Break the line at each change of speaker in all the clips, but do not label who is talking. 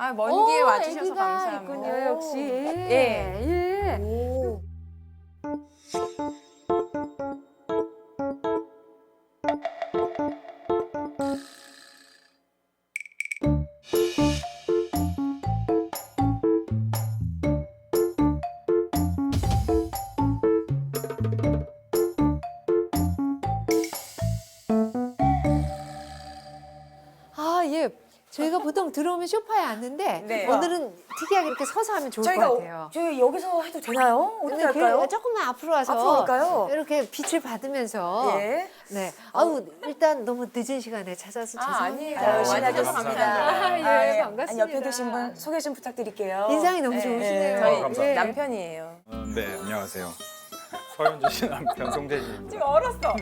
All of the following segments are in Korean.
아, 먼 길에 와주셔서
애기가
감사합니다.
있군요, 역시.
예.
예.
오.
아, 예. 저희가 보통 들어오면 소파에 앉는데
네.
오늘은 특이하게 이렇게 서서 하면 좋을 것 같아요.
저희 여기서 해도 되나요? 어떻게
근데
할까요?
조금만 앞으로 와서
앞으로 갈까요?
이렇게 빛을 받으면서
예.
네. 아우 일단 너무 늦은 시간에 찾아서 죄송합니다.
아니에요.
열심히
와주셔서
하겠습니다.
감사합니다.
아, 예,
아니,
반갑습니다.
옆에 계신 분 소개 좀 부탁드릴게요.
인상이 너무
네.
좋으시네요.
저희
감사합니다.
남편이에요.
네, 안녕하세요. 서현주 씨 남편 송재진입니다.
지금 얼었어.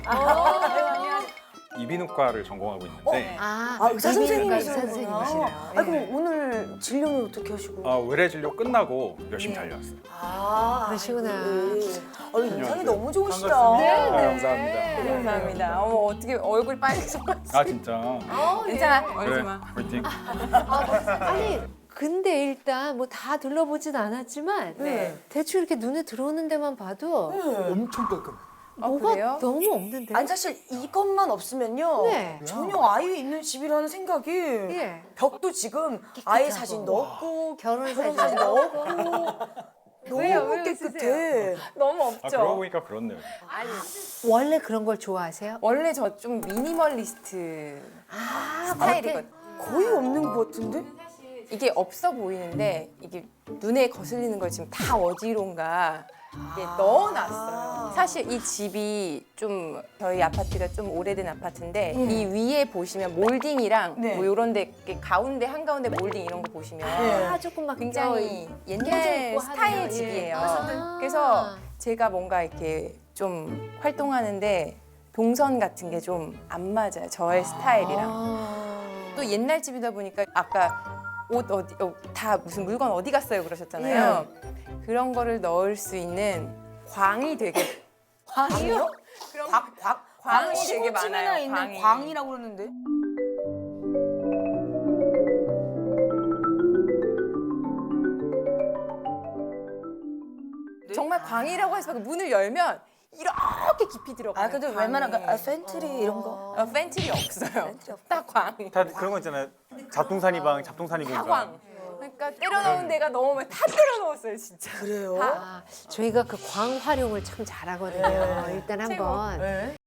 이비인후과를 전공하고 있는데
아,
의사
이비인후과
선생님이시구나.
의사 선생님이시네요.
아, 그럼 오늘 진료는 어떻게 하시고?
외래 진료 끝나고 열심히 달려왔어요.
그러시구나.
인상이 너무 좋으시다.
반갑습니다. 감사합니다.
감사합니다. 어머, 어떻게 얼굴 빨개져.
아 진짜.
괜찮아.
그래,
얼지 마.
화이팅.
아니 근데 일단 뭐 다 둘러보진 않았지만
네.
대충 이렇게 눈에 들어오는 데만 봐도
엄청 깔끔.
뭐가
그래요?
너무 없는데.
아니 사실 이것만 없으면요
네.
전혀 아이 있는 집이라는 생각이
예.
벽도 지금 아이 사진도 없고
결혼
결혼
사진
사진도 없고
왜요?
너무
왜
깨끗해.
너무
아
없죠.
그러고 보니까 그렇네요.
원래 그런 걸 좋아하세요?
원래 저 좀 미니멀리스트 스타일이거든요.
거의 없는 것 같은데?
이게 없어 보이는데 이게 눈에 거슬리는 걸 지금 다 어디론가 이게 넣어놨어요. 사실 이 집이 좀 저희 아파트가 좀 오래된 아파트인데 이 위에 보시면 몰딩이랑
네.
뭐 이런 데 이렇게 가운데 한가운데 몰딩 이런 거 보시면
아 조금 막
굉장히
껴져
옛날
있고
스타일
하네요.
집이에요.
아.
그래서 제가 뭔가 이렇게 좀 활동하는데 동선 같은 게 좀 안 맞아요. 저의 스타일이랑.
아.
또 옛날 집이다 보니까 아까 옷 어디 다 무슨 물건 어디 갔어요 그러셨잖아요. 그런 거를 넣을 수 있는 광이 되게
광이요?
그런
광이
되게
되게
많아요.
많아요. 있는
광이.
광이라고 그러는데.
정말 광이라고 해서 문을 열면 이렇게 깊이 들어가요.
아 근데
광이.
웬만한 팬트리 이런 거.
팬트리 없어요. 딱 광.
다 그런 거 있잖아요. 잡동사니방, 잡동사니공.
다 광. 그러니까 때려 넣은 데가 너무 많이 다 때려 넣었어요 진짜.
그래요?
아, 저희가 그 광 활용을 참 잘하거든요. 일단
최고.
한번
네.